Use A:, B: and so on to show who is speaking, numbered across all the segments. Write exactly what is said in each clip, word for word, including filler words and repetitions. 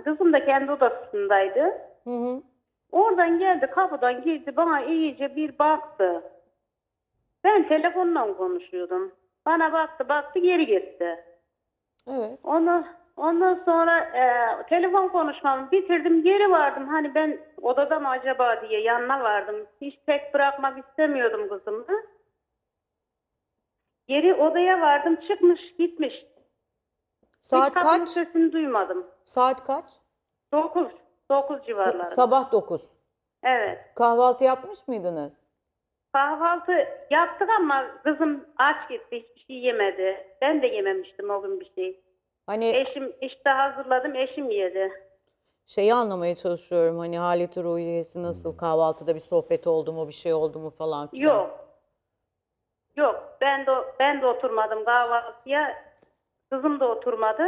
A: kızım da kendi odasındaydı.
B: Hı hı.
A: Oradan geldi, kapıdan girdi, bana iyice bir baktı. Ben telefonla konuşuyordum. Bana baktı baktı geri gitti.
B: Evet.
A: Onu, ondan sonra e, telefon konuşmamı bitirdim, geri vardım. Hani ben odada mı acaba diye yanına vardım. Hiç tek bırakmak istemiyordum kızımı. Geri odaya vardım, çıkmış gitmiş.
B: Saat
A: Hiç kapının
B: kaç?
A: sesini duymadım.
B: Saat kaç?
A: Dokuz. Dokuz
B: S-
A: civarlarında.
B: sabah dokuz.
A: Evet.
B: Kahvaltı yapmış mıydınız?
A: Kahvaltı yaptık ama kızım aç gitti. Hiçbir şey yemedi. Ben de yememiştim o gün bir şey.
B: Hani
A: Eşim işte hazırladım. Eşim yedi.
B: şeyi anlamaya çalışıyorum. Hani haleti ruhiyesi nasıl? Kahvaltıda bir sohbet oldu mu, bir şey oldu mu falan filan.
A: Yok. Yok. Ben de ben de oturmadım kahvaltıya. Kızım da oturmadı.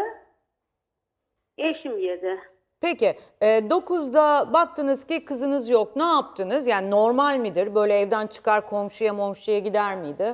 A: Eşim yedi.
B: Peki e, dokuzda baktınız ki kızınız yok. Ne yaptınız? Yani normal midir? Böyle evden çıkar komşuya momşuya gider miydi?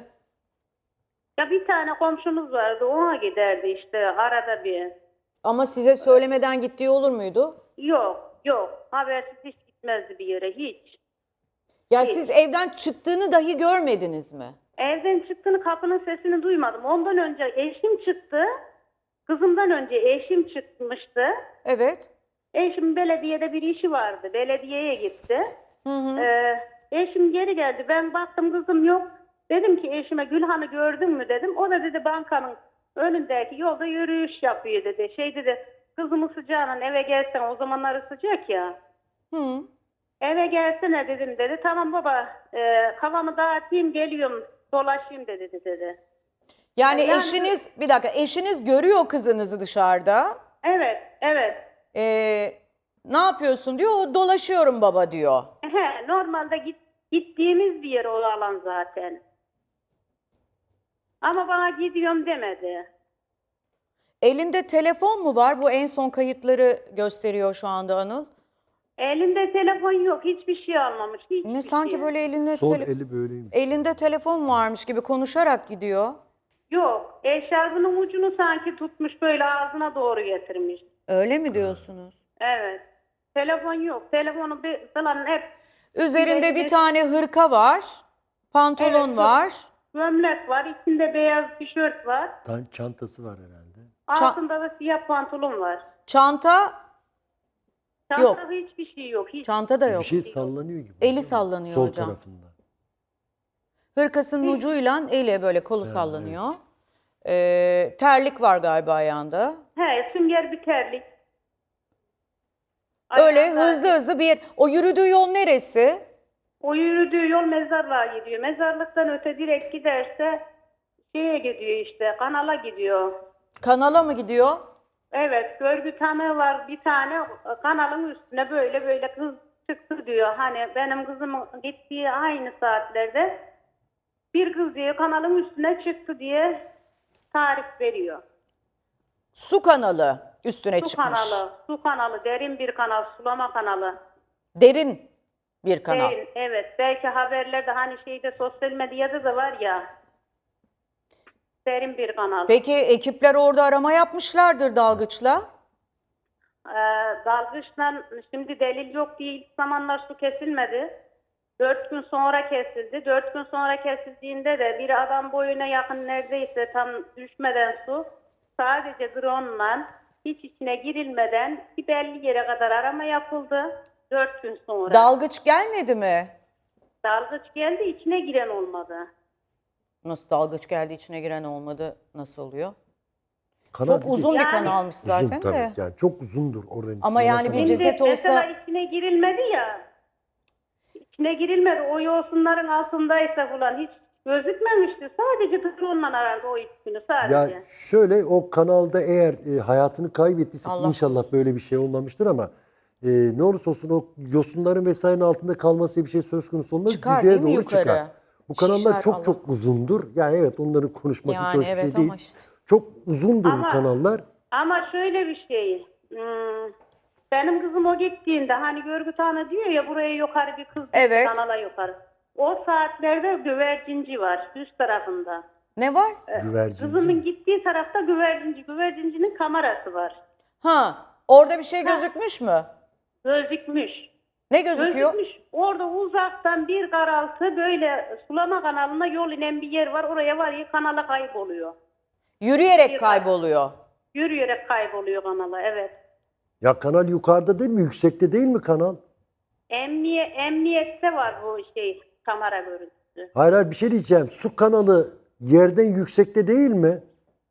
A: Ya bir tane komşumuz vardı. Ona giderdi işte arada bir.
B: Ama size söylemeden gittiği olur muydu?
A: Yok. Yok. Habersiz hiç gitmezdi bir yere. Hiç.
B: Ya
A: Hiç.
B: siz evden çıktığını dahi görmediniz mi?
A: Evden çıktığını, kapının sesini duymadım. Ondan önce eşim çıktı. Kızımdan önce eşim çıkmıştı.
B: Evet.
A: Eşim belediyede bir işi vardı. Belediyeye gitti.
B: Hı hı.
A: Ee, eşim geri geldi. Ben baktım kızım yok. Dedim ki eşime Gülhan'ı gördün mü dedim. O da dedi bankanın önündeki yolda yürüyüş yapıyor dedi. Şey dedi, kızımı sıcağına eve gelsen, o zamanları sıcak ya.
B: Hı.
A: Eve gelsene dedim dedi. Tamam baba, e, kafamı dağıtayım geliyorum dolaşayım dedi dedi.
B: Yani
A: Yani-
B: eşiniz, bir dakika, eşiniz görüyor kızınızı dışarıda.
A: Evet, evet.
B: Ee, ne yapıyorsun diyor, o dolaşıyorum baba diyor.
A: He, normalde git, gittiğimiz bir yer o alan zaten. Ama bana gidiyorum demedi.
B: Elinde telefon mu var? Bu en son kayıtları gösteriyor şu anda Anıl.
A: Elinde telefon yok, hiçbir şey almamış. Hiçbir
B: Ne sanki
A: şey.
B: böyle elinde
C: Sol
B: tele-
C: eli böyleymiş.
B: elinde telefon varmış gibi konuşarak gidiyor.
A: Yok, eşarbının ucunu sanki tutmuş böyle ağzına doğru getirmiş.
B: Öyle mi diyorsunuz?
A: Evet. Telefon yok. Telefonu bir, falan hep
B: Üzerinde bir
A: elinde-
B: tane hırka var, pantolon
A: Evet,
B: var.
A: gömlek var, içinde beyaz tişört var.
C: Tan- Çantası var herhalde.
A: Altında da siyah pantolon var.
B: Çanta, Yok.
A: Çantada hiçbir şey yok. Hiç.
B: çanta da yok.
C: Bir şey sallanıyor gibi.
B: Eli
C: değil mi?
B: sallanıyor
C: Sol
B: hocam.
C: tarafında.
B: Hırkasının ucuyla eli böyle kolu sallanıyor. Ee, terlik var galiba ayağında.
A: He, sünger bir terlik.
B: Öyle
A: Ayağında-
B: hızlı hızlı bir yer. O yürüdüğü yol neresi?
A: O yürüdüğü yol mezarlığa gidiyor. Mezarlıktan öte direkt giderse şeye gidiyor işte, kanala gidiyor.
B: Kanala mı gidiyor?
A: Evet, görgü tanığı var bir tane, kanalın üstüne böyle böyle kız çıktı diyor. Hani benim kızımın gittiği aynı saatlerde bir kız diyor kanalın üstüne çıktı diye tarif veriyor.
B: Su kanalı üstüne
A: Su
B: çıkmış.
A: kanalı, su kanalı, derin bir kanal, sulama kanalı.
B: Derin bir kanal.
A: Derin, evet. Belki haberlerde hani şeyde sosyal medyada da var ya. Derin bir kanal.
B: Peki ekipler orada arama yapmışlardır dalgıçla.
A: Ee, dalgıçla şimdi delil yok diye ilk zamanlar su kesilmedi. Dört gün sonra kesildi. Dört gün sonra kesildiğinde de bir adam boyuna yakın neredeyse tam düşmeden su sadece drone'la hiç içine girilmeden bir belli yere kadar arama yapıldı. Dört gün sonra.
B: Dalgıç gelmedi mi?
A: Dalgıç geldi, içine giren olmadı.
B: Nasıl dalgıç geldi içine giren olmadı, nasıl oluyor?
C: Kanal
B: Çok
C: dediği-
B: uzun bir
A: Yani-
B: kanalmış
C: Uzun
B: zaten
C: tabii.
B: de.
C: Yani çok uzundur oranın.
B: Ama
C: sulama
B: yani bir
C: kanalı.
B: ceset
A: Şimdi
B: olsa-
A: mesela içine girilmedi ya. İçine girilmedi. O yosunların altındaysa falan hiç gözükmemişti. Sadece drone'la aradı o ilk günü sadece.
C: Ya şöyle, o kanalda eğer e, hayatını kaybettiyse
B: Allah
C: inşallah böyle bir şey olmamıştır ama e, ne olursa olsun o yosunların vesairenin altında kalması diye bir şey söz konusu olmaz.
B: Çıkar
C: Yüzeye
B: değil mi
C: doğru
B: yukarı?
C: çıkar. Bu kanallar
B: Şişer,
C: çok
B: Allah
C: çok uzundur. Yani evet, onların konuşmak hiç
B: Yani
C: hoş bir
B: evet
C: şey değil.
B: ama işte.
C: Çok uzundur bu
A: Ama-
C: kanallar.
A: Ama şöyle bir şey. hmm, benim kızım o gittiğinde hani görgü tanığı diyor ya buraya yukarı bir kız
B: Evet.
A: kanala yukarı. O saatlerde güvercinci var üst tarafında.
B: Ne var?
C: Güvercinci.
A: Kızımın gittiği tarafta güvercinci. Güvercincinin kamerası var.
B: Ha, Orada bir şey gözükmüş mü?
A: Gözükmüş.
B: Ne gözüküyor?
A: Gözükmüş. Orada uzaktan bir karaltı böyle sulama kanalına yol inen bir yer var. Oraya var ya kanala kayboluyor.
B: Yürüyerek kayboluyor.
A: Yürüyerek kayboluyor kanala, evet.
C: Ya kanal yukarıda değil mi? Yüksekte değil mi kanal?
A: Emniye, emniyette var bu şey kamera görüntüsü.
C: Hayır hayır bir şey diyeceğim. Su kanalı yerden yüksekte değil mi?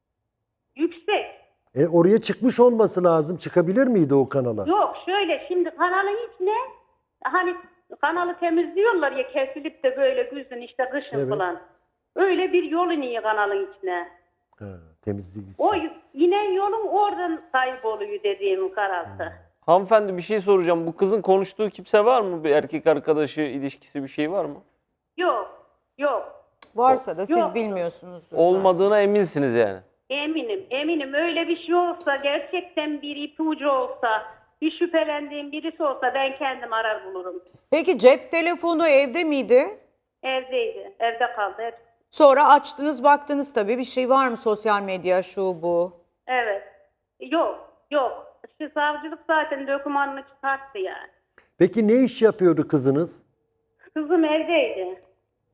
A: Yüksek.
C: E, oraya çıkmış olması lazım. Çıkabilir miydi o kanala?
A: Yok şöyle şimdi kanalın içine hani kanalı temizliyorlar ya kesilip de böyle güzün işte kışın
C: Evet.
A: falan. Öyle bir yol iniyor kanalın içine.
C: Ha, temizlik için.
A: O inen yolun oradan kayboluyor dediğim karaltı.
D: Hanımefendi bir şey soracağım. Bu kızın konuştuğu kimse var mı? Bir erkek arkadaşı, ilişkisi bir şey var mı?
A: Yok, yok.
B: Varsa da siz
A: Yok.
B: bilmiyorsunuzdur.
D: Olmadığına eminsiniz yani.
A: Eminim, eminim öyle bir şey olsa, gerçekten bir ipucu olsa, bir şüphelendiğim birisi olsa ben kendim arar bulurum.
B: Peki cep telefonu evde miydi?
A: Evdeydi, evde kaldı hep.
B: Sonra açtınız baktınız tabii bir şey var mı sosyal medya şu bu.
A: Evet. Yok, yok. Şu savcılık zaten dokümanını çıkarttı yani.
C: Peki ne iş yapıyordu kızınız?
A: Kızım evdeydi.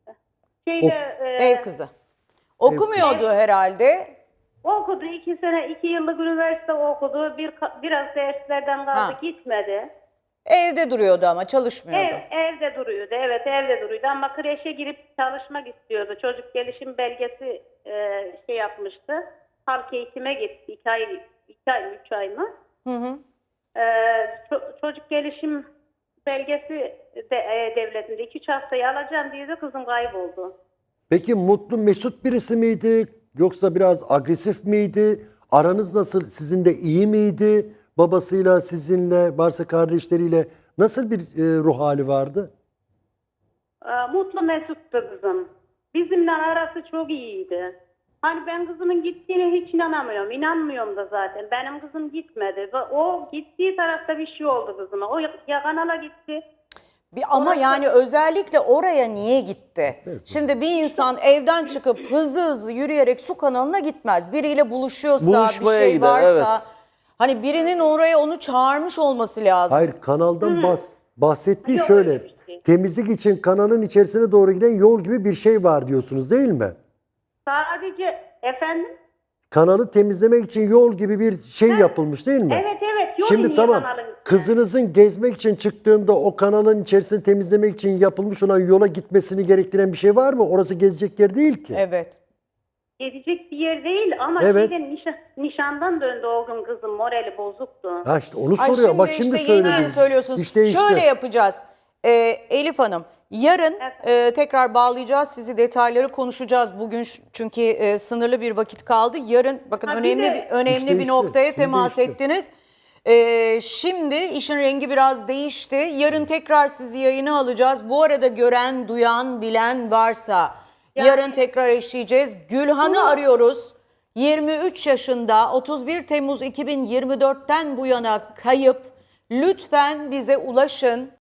A: Şeyde, e,
B: Ev kızı. Okumuyordu herhalde.
A: okudu, iki sene, iki yıllık üniversite okudu. Bir, biraz derslerden kaldı,
B: Ha.
A: gitmedi.
B: Evde duruyordu ama çalışmıyordu.
A: Ev, evde duruyordu, evet evde duruyordu ama kreşe girip çalışmak istiyordu. Çocuk gelişim belgesi e, şey yapmıştı. Halk eğitime gitti. İki ay, iki ay, üç ay mı?
B: Hı hı.
A: E, ço- çocuk gelişim belgesi de, e, devletinde iki üç haftayı alacağım diye de kızım kayboldu.
C: Peki mutlu, mesut birisi miydi? Yoksa biraz agresif miydi? Aranız nasıl? Sizin de iyi miydi? Babasıyla, sizinle, varsa kardeşleriyle nasıl bir e, ruh hali vardı?
A: E, mutlu mesuttu kızım. Bizimle arası çok iyiydi. Hani ben kızımın gittiğine hiç inanamıyorum. İnanmıyorum da zaten. Benim kızım gitmedi. Ve o gittiği tarafta bir şey oldu kızıma. O ya kanala gitti.
B: Bir, ama yani özellikle oraya niye gitti? Şimdi bir insan evden çıkıp hızlı hızlı yürüyerek su kanalına gitmez. Biriyle buluşuyorsa,
D: Buluşmaya
B: bir şey
D: gider,
B: varsa.
D: evet.
B: Hani birinin oraya onu çağırmış olması lazım.
C: Hayır, kanaldan bahs bahsettiği
A: Yok,
C: şöyle.
A: öyle bir şey.
C: Temizlik için kanalın içerisine doğru giden yol gibi bir şey var diyorsunuz değil mi?
A: Sadece efendim?
C: Kanalı temizlemek için yol gibi bir şey yapılmış değil mi?
A: Evet evet. Yol
C: Şimdi
A: iniyor
C: tamam,
A: kanalın içine.
C: kızınızın gezmek için çıktığında o kanalın içerisini temizlemek için yapılmış olan yola gitmesini gerektiren bir şey var mı? Orası gezecek yer değil ki.
B: Evet.
A: Gezecek bir yer değil ama
C: Evet.
A: şeyden nişan, nişandan döndü o gün kızım, morali bozuktu.
C: Ha işte onu
B: Ay
C: soruyor.
B: şimdi
C: Bak şimdi
B: işte yeni
C: söyledim.
B: yeni söylüyorsunuz.
C: İşte işte.
B: Şöyle yapacağız. Ee, Elif Hanım, yarın e, tekrar bağlayacağız sizi, detayları konuşacağız. Bugün ş- çünkü e, sınırlı bir vakit kaldı. Yarın bakın
A: Ha, bir
B: önemli
A: de-
B: bir önemli
C: İşte
B: bir
C: işte,
B: noktaya
C: şimdi
B: temas
C: işte.
B: ettiniz. Ee, şimdi işin rengi biraz değişti. Yarın tekrar sizi yayına alacağız. Bu arada gören, duyan, bilen varsa
A: Yani-
B: yarın tekrar eşleyeceğiz. Gülhan'ı arıyoruz. yirmi üç yaşında, otuz bir Temmuz iki bin yirmi dörtten bu yana kayıp. Lütfen bize ulaşın.